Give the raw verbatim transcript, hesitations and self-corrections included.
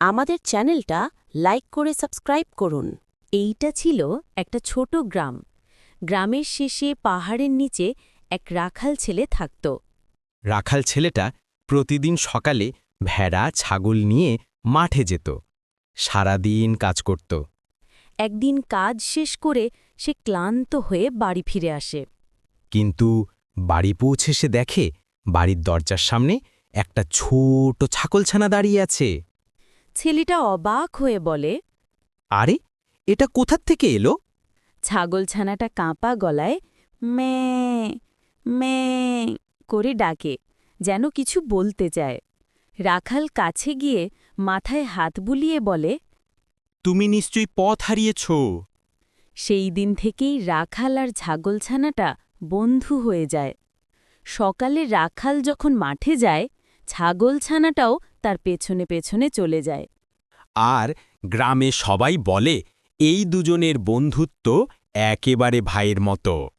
আমাদের চ্যানেলটা লাইক করে সাবস্ক্রাইব করুন। এইটা ছিল একটা ছোট গ্রাম। গ্রামের শেষে পাহাড়ের নিচে এক রাখাল ছেলে থাকত। রাখাল ছেলেটা প্রতিদিন সকালে ভেড়া ছাগল নিয়ে মাঠে যেত। সারাদিন কাজ করত। একদিন কাজ শেষ করে সে ক্লান্ত হয়ে বাড়ি ফিরে আসে। কিন্তু বাড়ি পৌঁছে সে দেখে বাড়ির দরজার সামনে একটা ছোট ছাগলছানা দাঁড়িয়ে আছে। ছেলেটা অবাক হয়ে বলে, আরে, এটা কোথার থেকে এলো? ছাগলছানাটা কাঁপা গলায় মে মে করে ডাকে, যেন কিছু বলতে চায়। রাখাল কাছে গিয়ে মাথায় হাত বুলিয়ে বলে, তুমি নিশ্চয়ই পথ হারিয়েছ। সেই দিন থেকেই রাখাল আর ছাগলছানাটা বন্ধু হয়ে যায়। সকালে রাখাল যখন মাঠে যায়, ছাগলছানাটাও তার পেছনে পেছনে চলে যায়। আর গ্রামে সবাই বলে এই দুজনের বন্ধুত্ব একেবারে ভাইয়ের মতো।